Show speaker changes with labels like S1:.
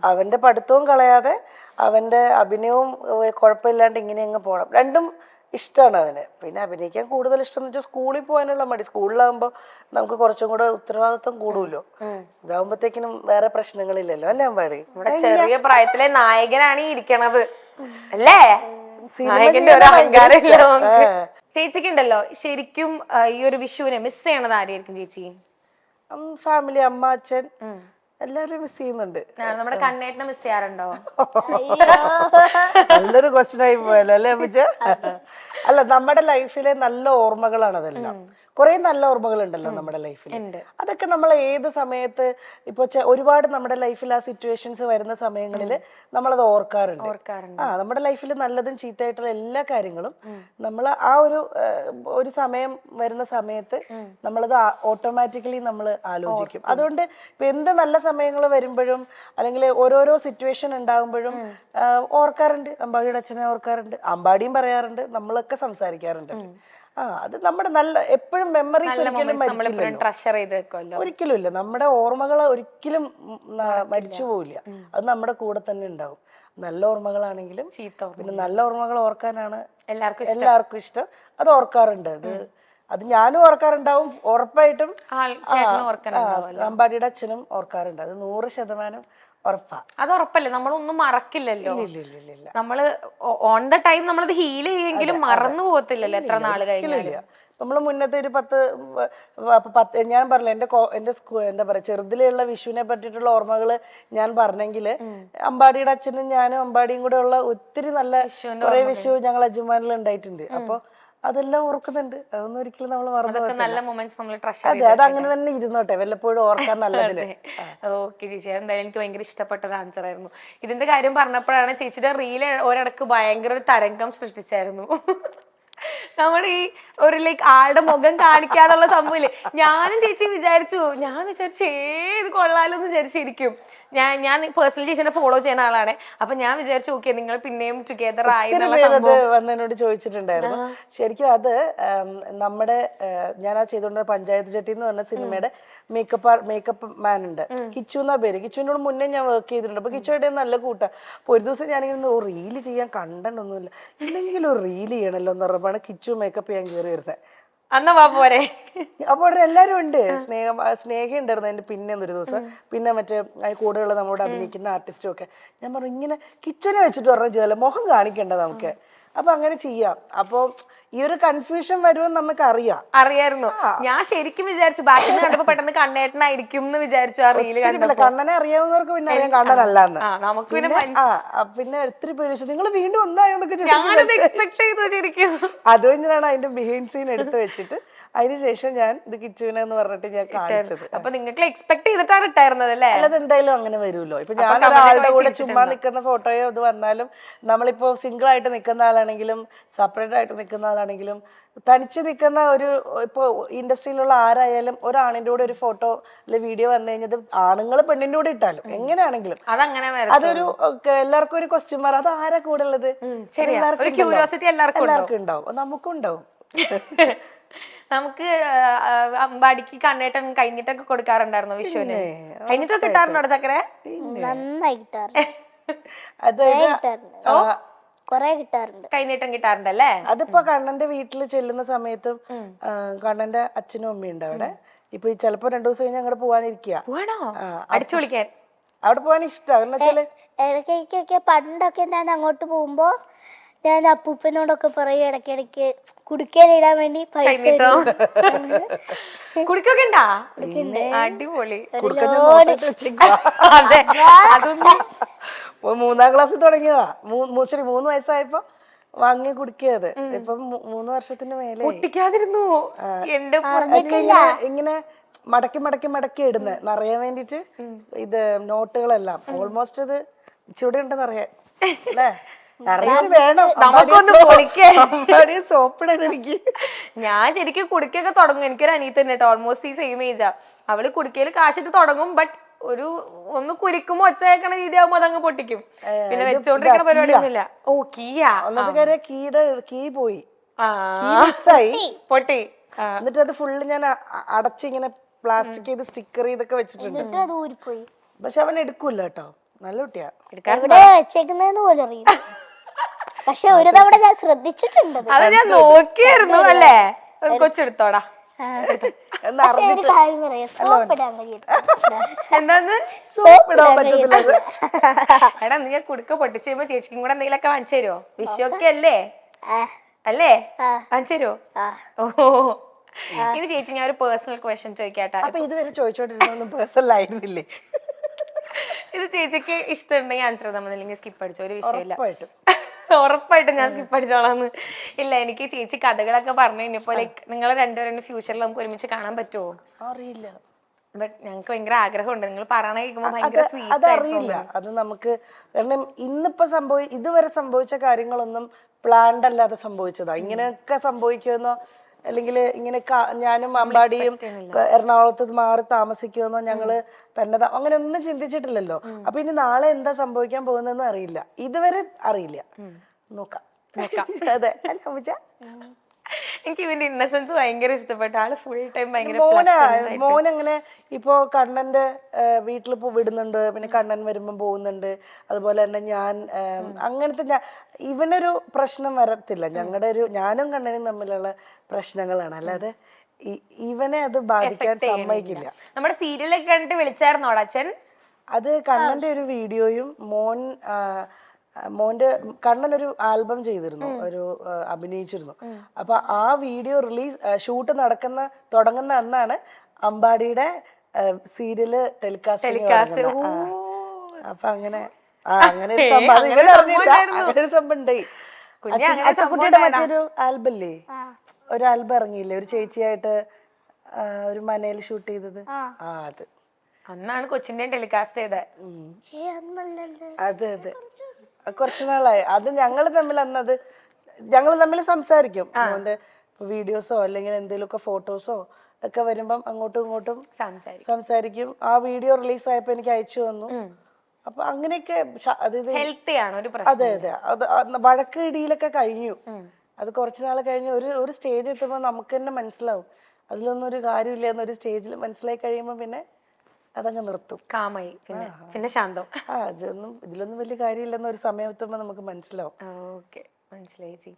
S1: അവന്റെ പഠിത്തവും കളയാതെ അവന്റെ അഭിനയവും കുഴപ്പമില്ലാണ്ട് ഇങ്ങനെ അങ്ങ് പോകണം. രണ്ടും ഇഷ്ടമാണ് അവന്. പിന്നെ അഭിനയിക്കാൻ കൂടുതൽ ഇഷ്ടം എന്ന് വെച്ചാൽ സ്കൂളിൽ പോകാനുള്ള മടി. സ്കൂളിലാകുമ്പോൾ നമുക്ക് കുറച്ചും കൂടെ ഉത്തരവാദിത്വം കൂടുമല്ലോ. ഇതാകുമ്പോഴത്തേക്കിനും വേറെ പ്രശ്നങ്ങളില്ലല്ലോ അല്ലേ അമ്പാടി?
S2: ചെറിയ പ്രായത്തിലെ നായകനാണ് ഈ ഇരിക്കണത് അല്ലേ? നായകന്റെ ഒരു അഹങ്കാരം. ചേച്ചിക്ക് ഉണ്ടല്ലോ ശരിക്കും ഈ ഒരു വിഷുവിനെ മിസ് ചെയ്യണത് ആരെയായിരിക്കും ചേച്ചി?
S1: ഫാമിലി, അമ്മ, അച്ഛൻ എല്ലാവരും മിസ് ചെയ്യുന്നുണ്ട്.
S2: നമ്മുടെ കണ്ണേട്ടനെ മിസ് ചെയ്യാറുണ്ടോ?
S1: നല്ലൊരു ക്വസ്റ്റ്യൻ ആയി പോയല്ലോ അല്ലേ അമ്മച്ച? അല്ല, നമ്മുടെ ലൈഫിലെ നല്ല ഓർമ്മകളാണ് അതെല്ലാം. കുറെ നല്ല ഓർമ്മകൾ ഉണ്ടല്ലോ നമ്മുടെ ലൈഫിൽ. അതൊക്കെ നമ്മൾ ഏത് സമയത്ത് ഇപ്പൊ ഒരുപാട് നമ്മുടെ ലൈഫിൽ ആ സിറ്റുവേഷൻസ് വരുന്ന സമയങ്ങളിൽ നമ്മളത് ഓർക്കാറുണ്ട്. നമ്മുടെ ലൈഫിൽ നല്ലതും ചീത്തയായിട്ടുള്ള എല്ലാ കാര്യങ്ങളും നമ്മൾ ആ ഒരു സമയം വരുന്ന സമയത്ത് നമ്മളത് ഓട്ടോമാറ്റിക്കലി നമ്മൾ ആലോചിക്കും. അതുകൊണ്ട് ഇപ്പൊ എന്ത് നല്ല സമയങ്ങൾ വരുമ്പോഴും അല്ലെങ്കിൽ ഓരോരോ സിറ്റുവേഷൻ ഉണ്ടാകുമ്പോഴും ഓർക്കാറുണ്ട്. അമ്പാടിയുടെ അച്ഛനെ ഓർക്കാറുണ്ട്, അമ്പാടിയും പറയാറുണ്ട്, നമ്മളൊക്കെ സംസാരിക്കാറുണ്ട്. അത് നമ്മുടെ നല്ല എപ്പോഴും മെമ്മറീസ് ഒരിക്കലും ഇല്ല. നമ്മുടെ ഓർമ്മകൾ ഒരിക്കലും മരിച്ചു പോവില്ല. അത് നമ്മുടെ കൂടെ തന്നെ ഉണ്ടാവും. നല്ല ഓർമ്മകളാണെങ്കിലും പിന്നെ നല്ല ഓർമ്മകൾ ഓർക്കാനാണ് എല്ലാവർക്കും ഇഷ്ടം. അത് ഓർക്കാറുണ്ട്. അത് ഞാനും ഓർക്കാറുണ്ടാവും ഉറപ്പായിട്ടും. അമ്പാടിയുടെ അച്ഛനും ഓർക്കാറുണ്ട്. അത് 100% ഉറപ്പാ.
S2: അത് ഉറപ്പല്ലേ, നമ്മളൊന്നും മറക്കില്ലല്ലോ. നമ്മള് ഓൺ ദ ടൈം നമ്മളത് ഹീൽ ചെയ്യുമെങ്കിലും മറന്നു പോകത്തില്ലല്ലോ എത്ര നാള് കഴിഞ്ഞാലും.
S1: നമ്മള് മുന്നത്തെ ഒരു 10 ഞാൻ പറഞ്ഞില്ല, എന്റെ എന്താ പറയാ ചെറുതിലുള്ള വിഷുവിനെ പറ്റിയിട്ടുള്ള ഓർമ്മകള് ഞാൻ പറഞ്ഞെങ്കിൽ അമ്പാടിയുടെ അച്ഛനും ഞാനും അമ്പാടിയും കൂടെ ഉള്ള ഒത്തിരി നല്ല കുറെ വിഷു ഞങ്ങൾ അജുമാനിൽ ഉണ്ടായിട്ടുണ്ട്. അപ്പൊ അതെല്ലാം ഓർക്കുന്നുണ്ട്. അതൊന്നും ഒരിക്കലും നമ്മൾ മറന്നു പോകത്തില്ല. അതെ, അത് അങ്ങനെ തന്നെ ഇരുന്നോട്ടെ, വല്ലപ്പോഴും ഓർക്കാൻ നല്ലതിന്.
S2: ഓക്കെ ചേച്ചി, എന്തായാലും എനിക്ക് ഭയങ്കര ഇഷ്ടപ്പെട്ട ഒരു ആൻസർ ആയിരുന്നു. ഇതിന്റെ കാര്യം പറഞ്ഞപ്പോഴാണ് ചേച്ചിയുടെ റീല് ഒരിടക്ക് ഭയങ്കര ഒരു തരംഗം സൃഷ്ടിച്ചായിരുന്നു. നമ്മുടെ ഈ ഒരു ആളുടെ മുഖം കാണിക്കാതുള്ള സംഭവമില്ലേ, ഞാനും ചേച്ചി വിചാരിച്ചു ഇത് കൊള്ളാലോന്ന് വിചാരിച്ചിരിക്കും. ഞാൻ പേഴ്സണലി ചേച്ചിനെ ഫോളോ ചെയ്യുന്ന ആളാണ്. അപ്പൊ ഞാൻ വിചാരിച്ചു ഓക്കെ നിങ്ങൾ പിന്നെയും ടുഗദർ ആയി
S1: വന്നതിനോട് ചോദിച്ചിട്ടുണ്ടായിരുന്നു. ശരിക്കും അത് നമ്മുടെ ഞാൻ ആ ചെയ്തോണ്ട പഞ്ചായത്ത് ചട്ടി എന്ന് പറഞ്ഞ സിനിമയുടെ മേക്കപ്പ് മാൻ ഉണ്ട്, കിച്ചു എന്നാ പേര്. കിച്ചുവിനോട് മുന്നേ ഞാൻ വർക്ക് ചെയ്തിട്ടുണ്ട്. അപ്പൊ കിച്ചുവായിട്ട് നല്ല കൂട്ടാ. അപ്പൊ ഒരു ദിവസം ഞാനിങ്ങനെ റീല് ചെയ്യാൻ കണ്ടന്റ് ഒന്നുമില്ല, എന്തെങ്കിലും ഒരു റീല് ചെയ്യണല്ലോ എന്ന് പറഞ്ഞപ്പോഴാണ് കിച്ചു മേക്കപ്പ് ചെയ്യാൻ കയറി വരുന്നത്.
S2: പോരെ
S1: അപ്പോൾ എല്ലാരും ഉണ്ട്. സ്നേഹ ഉണ്ടായിരുന്നു അതിന്റെ പിന്നെ ഒരു ദിവസം. പിന്നെ മറ്റേ കൂടെയുള്ള നമ്മളോട് അഭിനയിക്കുന്ന ആർട്ടിസ്റ്റും ഒക്കെ. ഞാൻ പറഞ്ഞു ഇങ്ങനെ കിച്ചനെ വെച്ചിട്ട് പറഞ്ഞു ചെയ്താലോ, മുഖം കാണിക്കണ്ട നമുക്ക്, അപ്പൊ അങ്ങനെ ചെയ്യാം. അപ്പൊ ഈ ഒരു കൺഫ്യൂഷൻ വരുമെന്ന് നമുക്ക്
S2: അറിയായിരുന്നു. ഞാൻ ശരിക്കും വിചാരിച്ചു ബാക്കിൽ നിന്ന് കണ്ടപ്പോ പെട്ടെന്ന് കണ്ണേട്ടനായിരിക്കും എന്ന് വിചാരിച്ചു. ആ റീല് കണ്ടപ്പോ
S1: കണ്ണനെ അറിയാവുന്നവർക്ക് പിന്നെ അറിയാൻ കണ്ണനല്ലാന്ന്. പിന്നെ ഒത്തിരി പേര് നിങ്ങൾ വീണ്ടും ഒന്നായോന്നൊക്കെ അത് കഴിഞ്ഞാണ് അതിന്റെ ബിഹൈൻഡ് സീൻ എടുത്ത് വെച്ചിട്ട് അതിനുശേഷം ഞാൻ ഇത് കിച്ചുവിനെ എന്ന് പറഞ്ഞിട്ട് ഞാൻ കാണിച്ചത്.
S2: അപ്പൊ നിങ്ങൾക്ക് എക്സ്പെക്ട് ചെയ്തിട്ടാണ് ഇട്ടായിരുന്നത് അല്ലേ?
S1: അല്ലാതെ എന്തായാലും അങ്ങനെ വരുമല്ലോ. ഇപ്പൊ ഞാൻ ഒരാളുടെ കൂടെ ചുമ്മാ നിൽക്കുന്ന ഫോട്ടോയോ ഇത് വന്നാലും, നമ്മളിപ്പോ സിംഗിൾ ആയിട്ട് നിൽക്കുന്ന ആളാണെങ്കിലും സെപ്പറേറ്റ് ആയിട്ട് നിൽക്കുന്ന ആളാണെങ്കിലും തനിച്ച് നിൽക്കുന്ന ഇപ്പൊ ഇൻഡസ്ട്രിയിലുള്ള ആരായാലും ഒരാണിന്റെ കൂടെ ഒരു ഫോട്ടോ അല്ലെ വീഡിയോ വന്നു കഴിഞ്ഞത് ആണുങ്ങൾ പെണ്ണിന്റെ കൂടെ ഇട്ടാലും എങ്ങനെയാണെങ്കിലും അതൊരു എല്ലാവർക്കും ഒരു ക്വസ്റ്റ്യൻ മാർക്ക്. അത് ആരാ കൂടെ ഉള്ളത്? എല്ലാവർക്കും ഉണ്ടാവും, നമുക്കും ഉണ്ടാവും.
S2: നമുക്ക് അമ്പാടിക്ക് കണ്ണേട്ടൻ കഴിഞ്ഞിട്ടൊക്കെ കൊടുക്കാറുണ്ടായിരുന്നു വിഷുവിന്? കഴിഞ്ഞിട്ടൊക്കെ കിട്ടാറുണ്ടോ ചക്കര? കൈനീട്ടം കിട്ടാറുണ്ടല്ലേ?
S1: അതിപ്പോ കണ്ണന്റെ വീട്ടിൽ ചെല്ലുന്ന സമയത്തും കണ്ണന്റെ അച്ഛനും അമ്മയും ഉണ്ട് അവിടെ. ഇപ്പൊ ചിലപ്പോ 2 ദിവസം കഴിഞ്ഞ് അങ്ങോട്ട് പോവാനിരിക്കുക.
S2: അടിച്ചു വിളിക്കാൻ
S1: അവിടെ പോവാൻ ഇഷ്ടം.
S3: ഇടയ്ക്കൊക്കെ പണ്ടൊക്കെ ഞാൻ അങ്ങോട്ട് പോകുമ്പോ ഞാൻ അപ്പൂപ്പനോടൊക്കെ പറയും ഇടയ്ക്കിടയ്ക്ക് കുടുക്കയിലിടാൻ വേണ്ടി പൈസ.
S2: കുടുക്കൊക്കെ ഉണ്ടാ? അടിപൊളി.
S1: 3ാം ക്ലാസ്സിൽ തുടങ്ങിയതാ. 3 വയസ്സായപ്പോ വാങ്ങി കുടിക്കത്. ഇപ്പം 3 വർഷത്തിന് മേലെ. ഇങ്ങനെ മടക്കി മടക്കി മടക്കി ഇടുന്നത് നിറയാൻ വേണ്ടിട്ട്. ഇത് നോട്ടുകളെല്ലാം ഓൾമോസ്റ്റ് ഇത് ഇച്ചിരി ഉണ്ടെന്ന് അറിയാൻ അല്ലേ?
S2: ഞാൻ ശരിക്കും കുടിക്കൊക്കെ തുടങ്ങും. എനിക്കൊരു അനിയത്തി തന്നെ ഓൾമോസ്റ്റ് ഈ സെയിം ഏജാ. അവള് കുടിക്കയില് കാശിട്ട് തുടങ്ങും. ബട്ട് ഒന്ന് കുരിക്കുമ്പോ ഒച്ച കേൾക്കണ രീതി ആകുമ്പോ അതങ്ങ് പൊട്ടിക്കും. പിന്നെ വെച്ചോണ്ടിരിക്കണ പരിപാടിയൊന്നുമില്ല. ഓ
S1: കീ പോയി,
S2: പൊട്ടി.
S1: എന്നിട്ട് അത് ഫുള്ള് ഞാൻ അടച്ചിങ്ങനെ പ്ലാസ്റ്റിക് ചെയ്ത് സ്റ്റിക്കർ ചെയ്തൊക്കെ വെച്ചിട്ടുണ്ട്. പക്ഷെ അവൻ എടുക്കൂല കേട്ടോ. നല്ല കുട്ടിയാ.
S3: എവിടെ വെച്ചേക്കുന്നതെന്ന് പോലും അറിയില്ല. പക്ഷെ ഒരു തവണ ഞാൻ ശ്രദ്ധിച്ചിട്ടുണ്ട്.
S2: അത് ഞാൻ നോക്കിയായിരുന്നു അല്ലേ. കൊച്ചെടുത്തോടാ.
S3: പക്ഷെ ഒരു കാര്യം പറയാം, സോപ്പ് ഇടാൻ കഴിയത്തില്ല.
S2: എന്താന്ന്
S1: സോപ്പ് ഇടാൻ പറ്റത്തില്ല.
S2: എടാ നീ കുടുക്ക പൊട്ടിച്ച് കഴിയുമ്പോ ചേച്ചിക്കും കൂടെ എന്തെങ്കിലുമൊക്കെ വാങ്ങിച്ചു തരുമോ? വിഷുവൊക്കെ അല്ലേ
S3: ആ,
S2: അല്ലേ
S3: ആ,
S2: വാങ്ങിച്ചു തരുമോ?
S3: ആ.
S2: ഓ ഇനി ചേച്ചി ഞാൻ ഒരു പേഴ്സണൽ ക്വസ്റ്റ്യൻ ചോദിക്കാട്ടാ.
S1: അപ്പൊ ഇതുവരെ ചോദിച്ചോണ്ടിരുന്നൊന്നും പേഴ്സണൽ ആയിരുന്നില്ലേ?
S2: ഇത് ചേച്ചിക്ക് ഇഷ്ടമുണ്ടെങ്കിൽ ആൻസർ തമ്മിൽ അല്ലെങ്കിൽ സ്കിപ്പ് അടിച്ചോ, ഒരു വിഷയമില്ല.
S1: ഉറപ്പായിട്ടും.
S2: ഉറപ്പായിട്ടും ഞാൻ സ്കിപ്പ് അടിച്ചോളാന്ന്. ഇല്ല എനിക്ക് ചേച്ചി കഥകളൊക്കെ പറഞ്ഞു കഴിഞ്ഞപ്പോ ലൈക്ക് നിങ്ങൾ രണ്ടുപേരും ഫ്യൂച്ചറിൽ നമുക്ക് ഒരുമിച്ച് കാണാൻ പറ്റുമോ
S1: അറിയില്ല.
S2: ബട്ട് ഞങ്ങൾക്ക് ഭയങ്കര ആഗ്രഹമുണ്ട്. നിങ്ങൾ പറയണ കേൾക്കുമ്പോ ഭയങ്കര സ്വീറ്റ്
S1: അതറിയില്ല. അത് നമുക്ക് കാരണം ഇന്നിപ്പോ ഇതുവരെ സംഭവിച്ച കാര്യങ്ങളൊന്നും പ്ലാൻഡ് അല്ലാതെ സംഭവിച്ചതാ. ഇങ്ങനെയൊക്കെ സംഭവിക്കുമെന്നോ അല്ലെങ്കിൽ ഇങ്ങനെ ഞാനും അമ്പാടിയും എറണാകുളത്ത് മാറി താമസിക്കുമെന്നോ ഞങ്ങള് തന്നെ അങ്ങനെ ഒന്നും ചിന്തിച്ചിട്ടില്ലല്ലോ. അപ്പൊ ഇനി നാളെ എന്താ സംഭവിക്കാൻ പോകുന്നതെന്ന് അറിയില്ല. ഇതുവരെ അറിയില്ല. നോക്കാം. അതെ അല്ല അമ്മൂച്ച?
S2: എനിക്ക് ഇവന്റെ ഇന്നസെൻസ് ഭയങ്കര ഇഷ്ടപ്പെട്ടു. ആള് ഫുൾ ടൈം ഭയങ്കര
S1: മോനങ്ങനെ ഇപ്പോ കണ്ണന്റെ വീട്ടിൽ വിടുന്നുണ്ട്, പിന്നെ കണ്ണൻ വരുമ്പോ പോകുന്നുണ്ട്. അതുപോലെ തന്നെ ഞാൻ അങ്ങനത്തെ ഇവനൊരു പ്രശ്നം വരത്തില്ല. ഞാനും കണ്ണനും തമ്മിലുള്ള പ്രശ്നങ്ങളാണ്, അല്ലാതെ ഇവനെ അത് ബാധിക്കാൻ സമ്മതിക്കില്ല.
S2: നമ്മുടെ സീരിയലൊക്കെ കണ്ടിട്ട് വിളിച്ചായിരുന്നോടാ അച്ഛൻ?
S1: അത് കണ്ണന്റെ ഒരു വീഡിയോയും മോന്റെ കണ്ണൻ ഒരു ആൽബം ചെയ്തിരുന്നു, ഒരു അഭിനയിച്ചിരുന്നു. അപ്പൊ ആ വീഡിയോ ഷൂട്ട് തുടങ്ങുന്ന അന്നാണ് അമ്പാടിയുടെ സീരിയല് ടെലികാസ്റ്റ്. അപ്പൊ അങ്ങനെ ഒരു സംഭവം ഇവരറിഞ്ഞില്ല. അങ്ങനെ ഒരു സംഭവം ഉണ്ടായി. അച്ഛൻകുട്ടിയുടെ മറ്റൊരു ആൽബം ഇല്ലേ, ഒരു ആൽബം ഇറങ്ങിയില്ലേ, ഒരു ചേച്ചിയായിട്ട് ഒരു മനയിൽ ഷൂട്ട് ചെയ്തത്. അത്
S2: അന്നാണ് കൊച്ചിന്റെ ടെലികാസ്റ്റ് ചെയ്തത്.
S1: അതെ അതെ, കുറച്ചു നാളായി. അത് ഞങ്ങൾ തമ്മിൽ സംസാരിക്കും. അതുകൊണ്ട് വീഡിയോസോ അല്ലെങ്കിൽ എന്തെങ്കിലുമൊക്കെ ഫോട്ടോസോ ഒക്കെ വരുമ്പം അങ്ങോട്ടും ഇങ്ങോട്ടും സംസാരിക്കും. ആ വീഡിയോ റിലീസ് ആയപ്പോ എനിക്ക് അയച്ചു തന്നു. അപ്പൊ അങ്ങനെയൊക്കെ അതെ അതെ, അത് വഴക്ക് ഇടിയിലൊക്കെ കഴിഞ്ഞു. അത് കുറച്ചു നാൾ കഴിഞ്ഞ് ഒരു സ്റ്റേജ് എത്തുമ്പോൾ നമുക്ക് തന്നെ മനസ്സിലാവും അതിലൊന്നും ഒരു കാര്യമില്ല എന്നൊരു സ്റ്റേജിൽ മനസ്സിലായി കഴിയുമ്പോ പിന്നെ അതങ്ങ് നിർത്തും.
S2: കാമായി പിന്നെ ശാന്തം.
S1: ഇതിലൊന്നും വലിയ കാര്യമില്ലെന്ന് ഒരു സമയം എത്തുമ്പോ നമുക്ക് മനസ്സിലാവും.
S2: ഓക്കെ, മനസ്സിലായി.